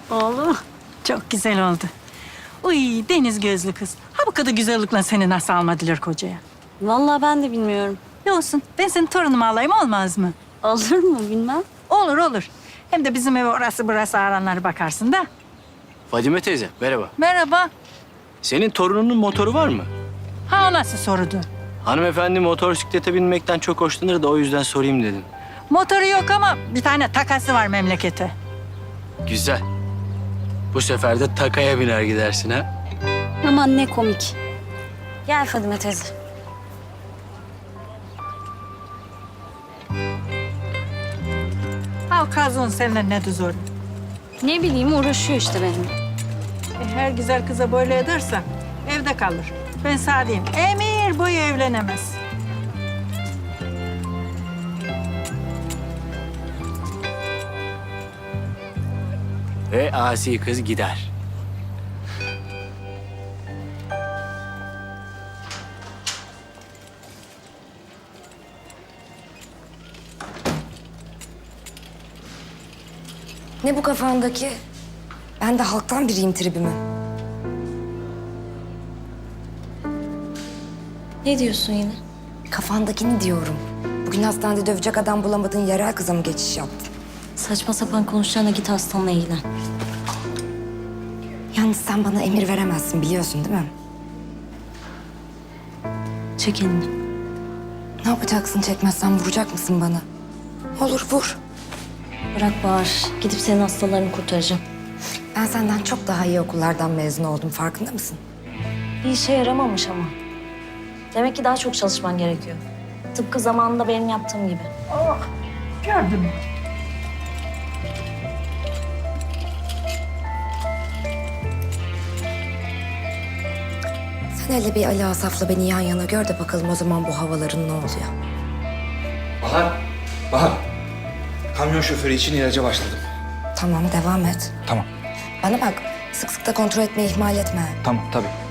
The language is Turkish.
Oğlum çok güzel oldu. Uy deniz gözlü kız. Ha bu kadar güzellikle seni nasıl almadılar kocaya? Vallahi ben de bilmiyorum. Ne olsun ben senin torunumu alayım olmaz mı? Olur mu bilmem. Olur olur. Hem de bizim eve orası burası aranlara bakarsın da. Fadime teyze, merhaba. Merhaba. Senin torununun motoru var mı? Ha o nasıl sorudu? Hanımefendi motosiklete binmekten çok hoşlanır da o yüzden sorayım dedim. Motoru yok ama bir tane takası var memlekete. Güzel. Bu sefer de takaya biner gidersin ha. Aman ne komik. Gel Fadime teyze. Ha o kazon seninle ne zor. Ne bileyim uğraşıyor işte benimle. Her güzel kıza böyle edersen evde kalır. Ben sana diyeyim, emir boyu evlenemez. Ve asi kız gider. Ne bu kafandaki? Ben de halktan biriyim tribimi. Ne diyorsun yine? Kafandakini diyorum. Bugün hastanede dövecek adam bulamadığın yerel kıza mı geçiş yaptın? Saçma sapan konuşacağına git hastanla ilgilen. Yalnız sen bana emir veremezsin biliyorsun değil mi? Çek elini. Ne yapacaksın çekmezsen vuracak mısın bana? Olur vur. Bırak Bahar. Gidip senin hastalarını kurtaracağım. Ben senden çok daha iyi okullardan mezun oldum farkında mısın? Bir işe yaramamış ama. Demek ki daha çok çalışman gerekiyor. Tıpkı zamanında benim yaptığım gibi. Gördün mü? Sen hele bir Ali Asaf'la beni yan yana gör de bakalım o zaman bu havaların ne oluyor. Bahar, Bahar. Kamyon şoförü için ilaca başladım. Tamam devam et. Tamam, Bana bak sık sık da kontrol etmeyi ihmal etme. tamam tabii.